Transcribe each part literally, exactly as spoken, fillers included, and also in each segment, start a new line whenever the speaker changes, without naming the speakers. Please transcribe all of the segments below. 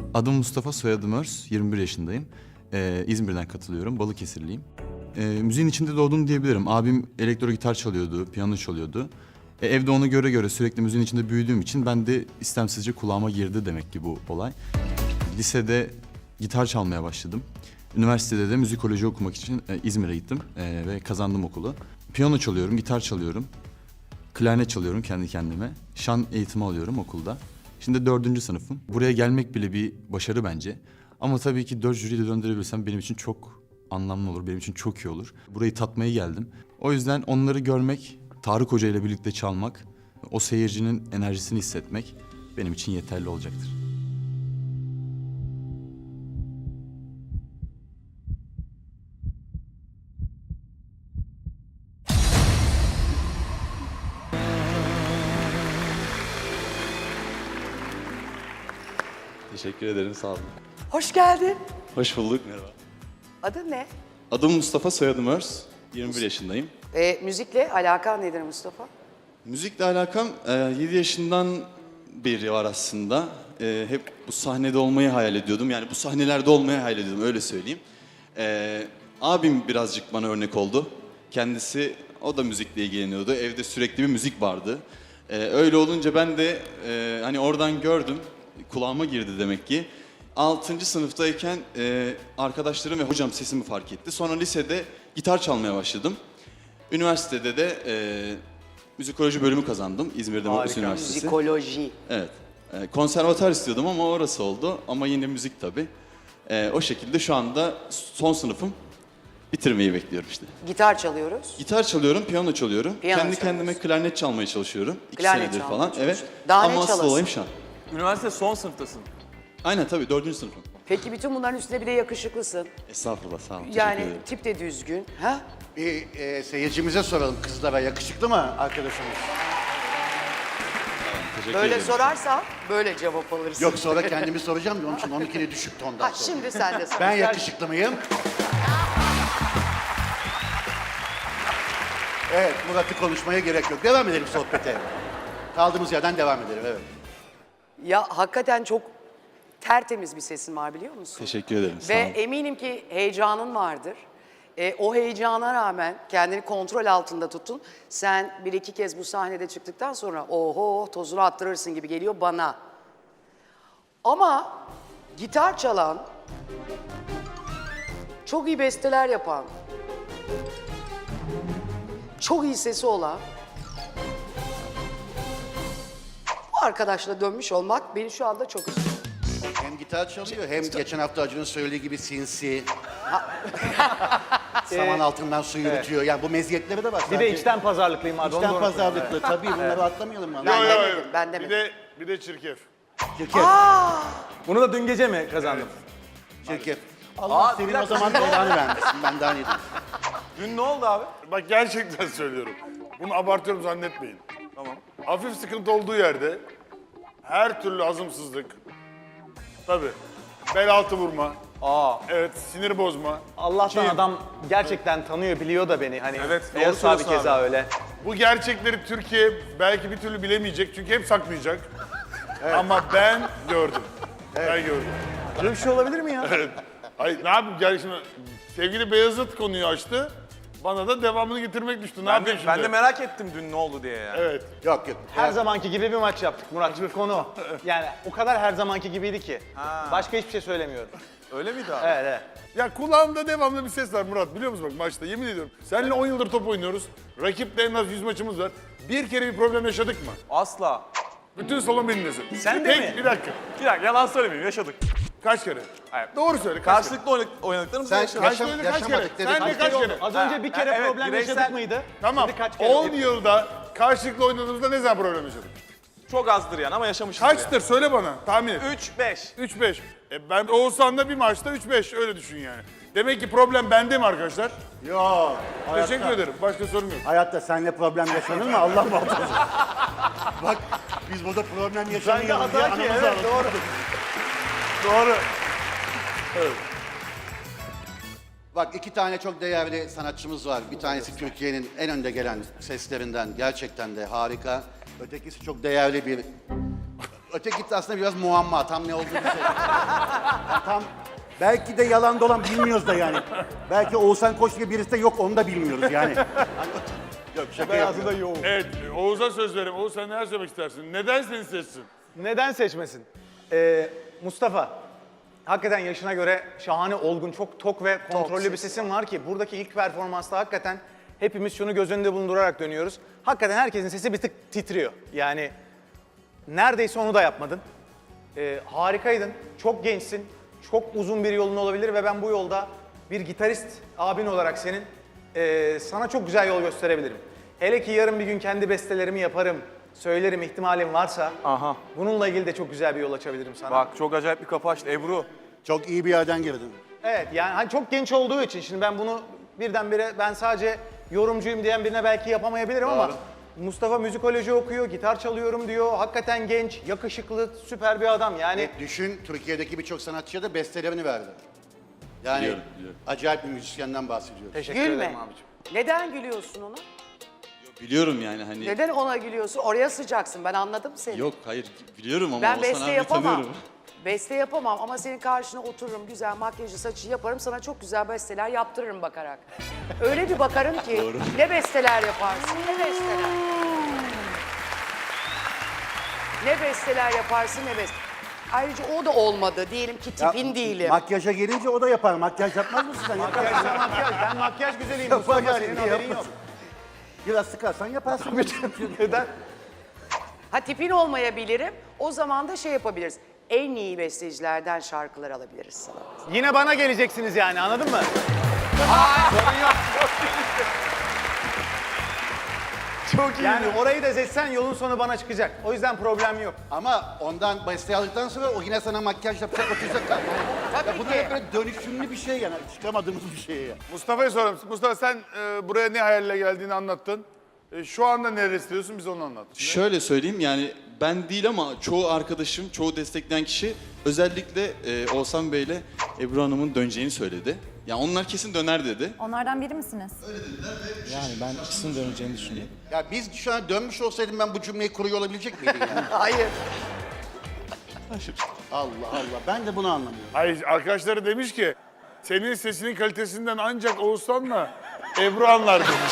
Adım Mustafa, soyadım Örs, yirmi bir yaşındayım. Ee, İzmir'den katılıyorum, Balıkesirliyim. Ee, müziğin içinde doğdum diyebilirim. Abim elektro gitar çalıyordu, piyano çalıyordu. Ee, evde onu göre göre sürekli müziğin içinde büyüdüğüm için ben de istemsizce kulağıma girdi demek ki bu olay. Lisede gitar çalmaya başladım. Üniversitede de müzikoloji okumak için e, İzmir'e gittim e, ve kazandım okulu. Piyano çalıyorum, gitar çalıyorum, klarnet çalıyorum kendi kendime. Şan eğitimi alıyorum okulda. Şimdi dördüncü sınıfım. Buraya gelmek bile bir başarı bence. Ama tabii ki dört jüriyi de döndürebilirsem benim için çok anlamlı olur, benim için çok iyi olur. Burayı tatmaya geldim. O yüzden onları görmek, Tarık Hoca ile birlikte çalmak, o seyircinin enerjisini hissetmek benim için yeterli olacaktır.
Teşekkür ederim, sağ olun.
Hoş geldin.
Hoş bulduk, merhaba.
Adın ne?
Adım Mustafa, soyadım Örs. yirmi bir yaşındayım.
E, müzikle alakan nedir Mustafa?
Müzikle alakam e, yedi yaşından beri var aslında. E, hep bu sahnede olmayı hayal ediyordum. Yani bu sahnelerde olmayı hayal ediyordum, öyle söyleyeyim. E, abim birazcık bana örnek oldu. Kendisi, o da müzikle ilgileniyordu. Evde sürekli bir müzik vardı. E, öyle olunca ben de e, hani oradan gördüm. Kulağıma girdi demek ki. altıncı sınıftayken e, arkadaşlarım ve hocam sesimi fark etti. Sonra lisede gitar çalmaya başladım. Üniversitede de e, müzikoloji bölümü kazandım. İzmir'de Modus Üniversitesi.
Müzikoloji.
Evet. E, konservatuar istiyordum ama orası oldu. Ama yine müzik tabii. E, o şekilde şu anda son sınıfım. Bitirmeyi bekliyorum işte.
Gitar çalıyoruz.
Gitar çalıyorum, piyano çalıyorum.
Piyano
Kendi
çalıyorsun.
kendime klarnet çalmaya çalışıyorum. İki
Klarnet
senedir
çalmaya
falan. Evet.
çalışıyorsun. Daha ne
ama asıl
çalasın?
olayım şu an.
Üniversite son sınıftasın.
Aynen tabii, dördüncü sınıfım.
Peki bütün bunların üstüne bir de yakışıklısın.
Estağfurullah, sağ olun. Teşekkür
Yani
ederim.
tip de düzgün. Ha?
Bir e, seyircimize soralım, kızlara yakışıklı mı arkadaşımız?
Teşekkür
Böyle
ederim.
sorarsan böyle cevap alırsın.
Yok, sonra kendimi soracağım da onun için onunkini düşük tondan
Ha,
sorayım.
şimdi sen de sor.
Ben yakışıklı mıyım? Evet, Murat'ı konuşmaya gerek yok. Devam edelim sohbete. Kaldığımız yerden devam edelim, evet.
Ya hakikaten çok tertemiz bir sesin var biliyor musun?
Teşekkür ederim. Sağ
Ve
olun.
eminim ki heyecanın vardır. E, o heyecana rağmen kendini kontrol altında tutun. Sen bir iki kez bu sahnede çıktıktan sonra oho tozunu attırırsın gibi geliyor bana. Ama gitar çalan, çok iyi besteler yapan, çok iyi sesi olan bu arkadaşla dönmüş olmak beni şu anda çok üzüyor.
Hem gitar çalıyor, hem geçen hafta Acun'un söylediği gibi sinsi. Saman altından su yürütüyor. Yani bu meziyetleri de var.
Bir de içten pazarlıklıyım abi. onu
İçten
doğru
pazarlıklı. Tabii bunları atlamayalım.
Ben
Ben
demedim, ben
Bir
demedim.
de bir de çirkef.
Çirkef,
söylüyorum. Bunu da dün gece mi kazandım?
çirkef. Allah
Aa,
senin
bir
o
dakika.
zaman belanı vermesin. Ben daha ne diyeyim.
Dün ne oldu abi?
Bak gerçekten söylüyorum. Bunu abartıyorum zannetmeyin. Tamam. Hafif sıkıntı olduğu yerde her türlü azımsızlık. Tabii. Bel altı vurma.
Aa,
Evet, sinir bozma.
Allah'tan
Kim?
adam gerçekten tanıyor, biliyor da beni. Hani
Evet, doğru
Eos abi
söylüyorsun
keza
abi.
öyle.
Bu gerçekleri Türkiye belki bir türlü bilemeyecek çünkü hep saklayacak. Ama ben gördüm. Ben gördüm.
Böyle bir şey olabilir mi ya?
Evet. Ay ne yapayım gel şimdi sevgili Beyazıt konuyu açtı. Bana da devamını getirmek düştü. Ne
Ben
yapayım
de,
şimdi?
ben de merak ettim dün ne oldu diye yani.
Evet.
Yok yok.
Her zamanki gibi bir maç yaptık Murat. Konu. Yani o kadar her zamanki gibiydi ki. Başka hiçbir şey söylemiyorum.
Öyle miydi abi?
Evet evet.
Ya kulağımda devamlı bir ses var Murat biliyor musun bak maçta yemin ediyorum. Seninle on yıldır top oynuyoruz. Rakiple en az yüz maçımız var. Bir kere bir problem yaşadık mı?
Asla.
Bütün salon benimlesin.
Sen de
Tek,
mi?
Bir dakika.
Bir dakika yalan söylemeyeyim yaşadık.
Kaç kere?
Hayır.
Doğru söyle kaç kere?
Karşılıklı oynadık, oynadıklarımızı
Sen
yaşadık.
Kaç
yaşam,
kere, kaç
yaşamadık
kere?
dedik.
Sen de kaç kere?
Az önce bir kere
Ha, evet,
problem
bireysel-
yaşadık mıydı?
Tamam.
Şimdi kaç kere?
on yılda karşılıklı oynadığımızda ne zaman problem yaşadık?
Çok azdır yani ama yaşamışız.
Kaçtır söyle bana tahmin et.
üç beş.
üç beş. E ben Oğuzhan'da bir maçta üç beş öyle düşün yani. Demek ki problem bende mi arkadaşlar?
Yok.
Teşekkür
hayatta-
ederim. Başka sorum yok.
Hayatta seninle problem yaşanır mı? Allah muhafaza. Bak biz burada problem yaşamıyoruz diye
hata ki,
anamızı
evet,
ağlatıyoruz.
Doğru.
Bak iki tane çok değerli sanatçımız var. Bir tanesi Türkiye'nin en önde gelen seslerinden. Gerçekten de harika. Ötekisi çok değerli bir Öteki aslında biraz muamma. Tam ne olduğunu söyleyeyim. Tam belki de yalan dolan bilmiyoruz da yani. Belki Oğuzhan Koç gibi birisi de yok onu da bilmiyoruz yani. Yok şaka yapıyorum.
yoğun.
Evet, Oğuz'a söz vereyim. Oğuz sen neler söylemek istersin? Neden seni seçsin?
Neden seçmesin? Ee, Mustafa, hakikaten yaşına göre şahane, olgun, çok tok ve kontrollü bir sesin var ki buradaki ilk performansta hakikaten hepimiz şunu göz önünde bulundurarak dönüyoruz. Hakikaten herkesin sesi bir tık titriyor. Yani neredeyse onu da yapmadın. Ee, harikaydın, çok gençsin, çok uzun bir yolun olabilir ve ben bu yolda bir gitarist abin olarak senin ee, sana çok güzel yol gösterebilirim. Hele ki yarın bir gün kendi bestelerimi yaparım, söylerim ihtimalim varsa
Aha.
bununla ilgili de çok güzel bir yol açabilirim sana.
Bak çok acayip bir kapı açtı. Ebru.
Çok iyi bir yerden girdin.
Evet yani hani çok genç olduğu için şimdi ben bunu birdenbire ben sadece yorumcuyum diyen birine belki yapamayabilirim ama Mustafa müzikoloji okuyor, gitar çalıyorum diyor. Hakikaten genç, yakışıklı, süper bir adam yani.
E, düşün Türkiye'deki birçok sanatçıya da bestelerini verdi. Yani
Biliyorum, biliyorum.
acayip bir müzisyenden bahsediyoruz.
Teşekkür
Gülme.
ederim abicim.
Neden gülüyorsun ona?
Biliyorum yani hani.
Neden ona gülüyorsun? Oraya sıcaksın. Ben anladım seni.
Yok hayır biliyorum ama
Ben
Oğuzhan
beste
abi
yapamam.
tanıyorum.
Beste yapamam ama senin karşına otururum, güzel makyajı, saçı yaparım. Sana çok güzel besteler yaptırırım bakarak. Öyle bir bakarım ki ne besteler yaparsın, ne besteler. Ne besteler yaparsın, ne besteler. Ayrıca o da olmadı. Diyelim ki
Ya,
tipin değilim.
Makyaja gelince o da yapar. Makyaj yapmaz mısın sen?
Makyaj,
Yaparsın.
sen makyaj. Ben makyaj güzeliyim
Yapar
Mustafa,
yani,
senin haberin yok.
yaparsın. Biraz sıkarsan yaparsın.
Neden?
Ha tipin olmayabilirim. O zaman da şey yapabiliriz. En iyi bestecilerden şarkılar alabiliriz sana.
Yine bana geleceksiniz yani anladın mı? Sorun yok.
Çok iyi.
Yani orayı da seçsen yolun sonu bana çıkacak. O yüzden problem yok.
Ama ondan beste aldıktan sonra o yine sana makyaj yapacak, oturacak.
Tabii
Ya bu da
ki.
hep böyle dönüşümlü bir şey yani. Çıkamadığımız bir şey ya.
Mustafa'ya soralım. Mustafa sen e, buraya ne hayalle geldiğini anlattın. E, şu anda neler istiyorsun bize onu anlat.
Şöyle söyleyeyim yani ben değil ama çoğu arkadaşım, çoğu destekleyen kişi özellikle e, Oğuzhan Bey'le Ebru Hanım'ın döneceğini söyledi. Yani onlar kesin döner dedi.
Onlardan biri misiniz?
Yani ben ikisinin döneceğini düşünüyorum.
Ya biz şu an dönmüş olsaydım ben bu cümleyi kuruyor olabilecek miydim yani?
Hayır.
Allah Allah. Ben de bunu anlamıyorum.
Hayır arkadaşları demiş ki senin sesinin kalitesinden ancak Oğuzhan'la Ebru anlar demiş.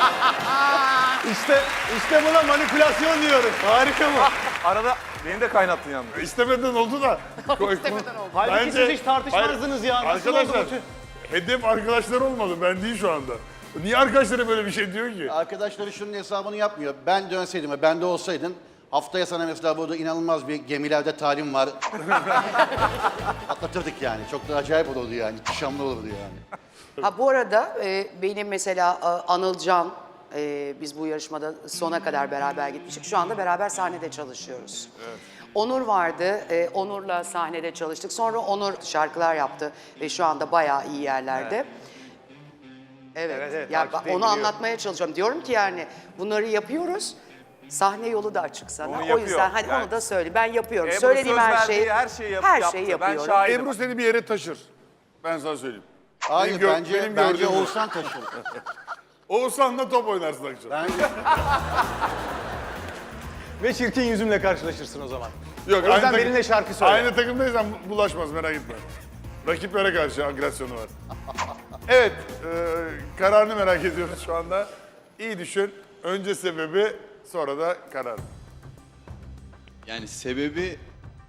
İşte işte buna manipülasyon diyoruz. Harika mı?
Arada beni de kaynattın yalnız.
İstemeden oldu da.
İstemeden oldu.
Halbuki
Bence-
siz hiç tartışmazdınız ya. Nasıl oldu
Arkadaşlar
bu tür-
hedef arkadaşlar olmadı ben değil şu anda. Niye arkadaşlara böyle bir şey diyor ki?
Arkadaşları şunun hesabını yapmıyor. Ben dönseydim ve ben de olsaydın haftaya sana mesela burada inanılmaz bir gemilerde talim var. Atlatırdık yani. Çok da acayip olurdu yani. İhtişamlı olurdu yani.
Ha bu arada e, benim mesela e, Anılcan, e, biz bu yarışmada sona kadar beraber gitmiştik. Şu anda beraber sahnede çalışıyoruz. Onur vardı, e, Onur'la sahnede çalıştık. Sonra Onur şarkılar yaptı ve şu anda bayağı iyi yerlerde. Evet,
Evet, evet,
ya,
takipteyim,
onu
biliyorum.
anlatmaya çalışıyorum. Diyorum ki yani bunları yapıyoruz, sahne yolu da açık sana.
Onu
O
yapıyor.
yüzden hadi
Yani-
onu da söyle. Ben yapıyorum.
Ebru
Söylediğim
söz
her
verdiği
şeyi,
her şeyi yap-
her
yaptı.
şeyi
Ben
yapıyorum.
şahidim.
Ebru seni bir yere taşır. Ben sana söyleyeyim.
Hayır
Benim gör-
bence,
benim
bence
gördüğüm-
Oğuzhan taşır.
Oğuzhan'la top oynarsın akşam.
Bence
Ve çirkin yüzümle karşılaşırsın o zaman.
Yok,
O yüzden
takım-
benimle şarkı söyle.
Aynı takımdaysan bulaşmaz merak etme. Rakiplere karşı agresyonu var. Evet, e, kararını merak ediyoruz şu anda. İyi düşün. Önce sebebi, sonra da karar.
Yani sebebi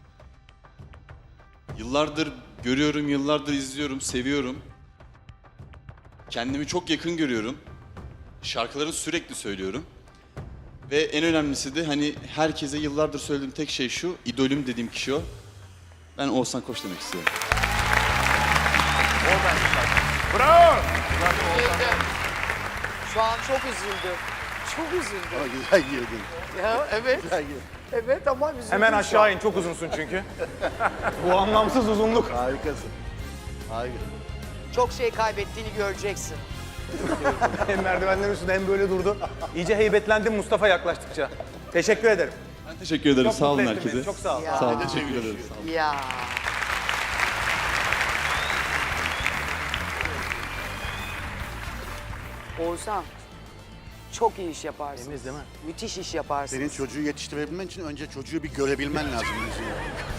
yıllardır görüyorum, yıllardır izliyorum, seviyorum. Kendimi çok yakın görüyorum. Şarkılarını sürekli söylüyorum. Ve en önemlisi de hani herkese yıllardır söylediğim tek şey şu, idolüm dediğim kişi o. Ben Oğuzhan Koç demek istiyorum.
Bravo!
Şu an çok üzüldüm. Çok üzüldüm.
ama güzel girdin.
Ya evet.
Güzel girdin.
Evet ama üzüldüm.
Hemen
şu an.
aşağı in, çok uzunsun çünkü. Bu anlamsız uzunluk.
Harikasın. Harika.
Çok şey kaybettiğini göreceksin.
Hem merdivenlerin üstünde hem böyle durdu. İyice heybetlendim Mustafa yaklaştıkça. Teşekkür ederim.
Ben teşekkür ederim.
Çok
sağ olun
mutlu ettin
herkese.
beni, Çok sağ ol.
Ya.
Sağ olun. Teşekkür ederim. Sağ olun.
Ya. Oğuzhan, Çok iyi iş yaparsınız.
Temiz değil mi?
Müthiş iş yaparsınız.
Senin çocuğu yetiştirebilmen için önce çocuğu bir görebilmen lazım. Müziği.